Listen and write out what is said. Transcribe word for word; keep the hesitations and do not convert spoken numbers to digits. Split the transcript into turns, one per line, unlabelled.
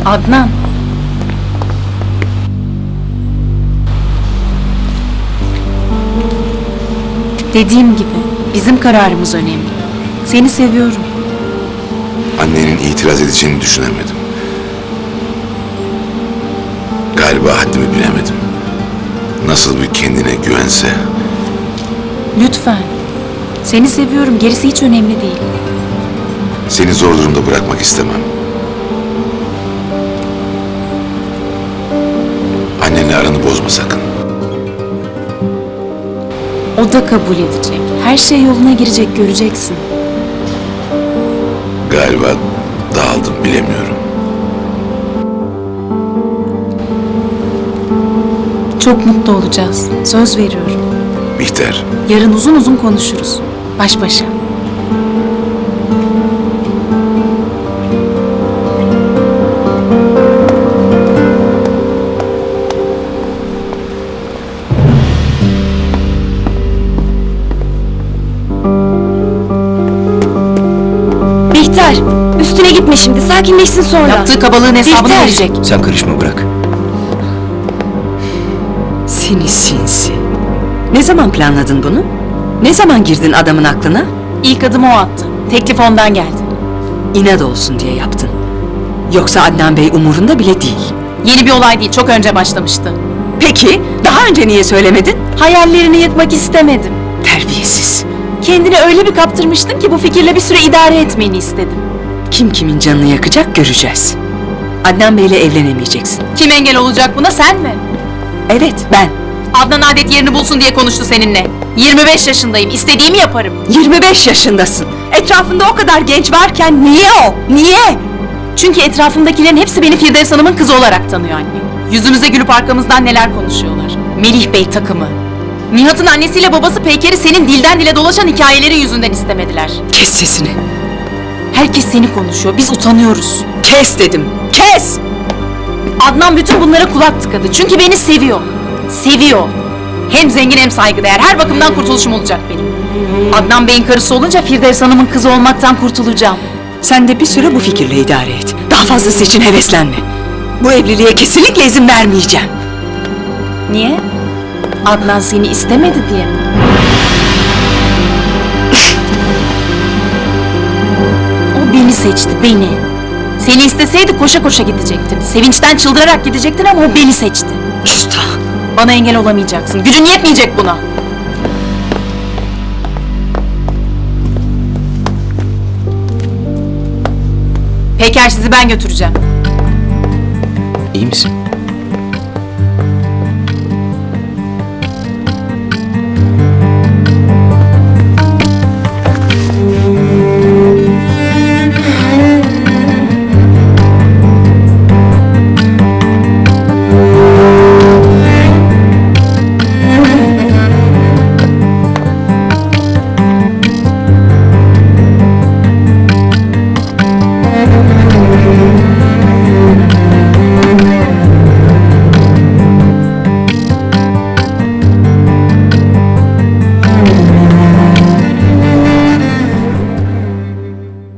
Adnan. Dediğim gibi bizim kararımız önemli. Seni seviyorum.
Annenin itiraz edeceğini düşünemedim. Galiba haddimi bilemedim. Nasıl bir kendine güvense.
Lütfen. Seni seviyorum. Gerisi hiç önemli değil.
Seni zor durumda bırakmak istemem. Annenle aranı bozma sakın.
O da kabul edecek. Her şey yoluna girecek, göreceksin.
Galiba dağıldım, bilemiyorum.
Çok mutlu olacağız. Söz veriyorum.
Bihter,
Yarın uzun uzun konuşuruz. Baş başa.
Bihter, üstüne gitme şimdi. Sakinleşsin sonra.
Yaptığı kabalığın hesabını
Bihter!
verecek.
Sen karışma, bırak. Seni sinsi. Ne zaman planladın bunu? Ne zaman girdin adamın aklına?
İlk adımı o attı. Teklif ondan geldi.
İnat olsun diye yaptın. Yoksa Adnan Bey umurunda bile değil.
Yeni bir olay değil, çok önce başlamıştı.
Peki, daha önce niye söylemedin?
Hayallerini yıkmak istemedim.
Terbiyesiz.
Kendini öyle bir kaptırmıştın ki bu fikirle bir süre idare etmeni istedim.
Kim kimin canını yakacak göreceğiz. Adnan Bey'le evlenemeyeceksin.
Kim engel olacak buna, sen mi?
Evet, ben.
Adnan adet yerini bulsun diye konuştu seninle. yirmi beş yaşındayım, istediğimi yaparım.
yirmi beş yaşındasın. Etrafında o kadar genç varken niye o? Niye?
Çünkü etrafımdakilerin hepsi beni Firdevs Hanım'ın kızı olarak tanıyor anne. Yüzümüze gülüp arkamızdan neler konuşuyorlar. Melih Bey takımı. Nihat'ın annesiyle babası Peyker'i senin dilden dile dolaşan hikayeleri yüzünden istemediler.
Kes sesini.
Herkes seni konuşuyor, biz utanıyoruz.
Kes dedim. Kes!
Adnan bütün bunlara kulak tıkadı. Çünkü beni seviyor. Seviyor. Hem zengin hem saygıdeğer. Her bakımdan kurtuluşum olacak benim. Adnan Bey'in karısı olunca Firdevs Hanım'ın kızı olmaktan kurtulacağım.
Sen de bir süre bu fikirle idare et. Daha fazlası için heveslenme. Bu evliliğe kesinlikle izin vermeyeceğim.
Niye? Adnan seni istemedi diye mi? O beni seçti, beni. Seni isteseydi koşa koşa gidecektin. Sevinçten çıldırarak gidecektin ama o beni seçti.
Küstah.
Bana engel olamayacaksın. Gücün yetmeyecek buna. Peker, sizi ben götüreceğim.
İyi misin?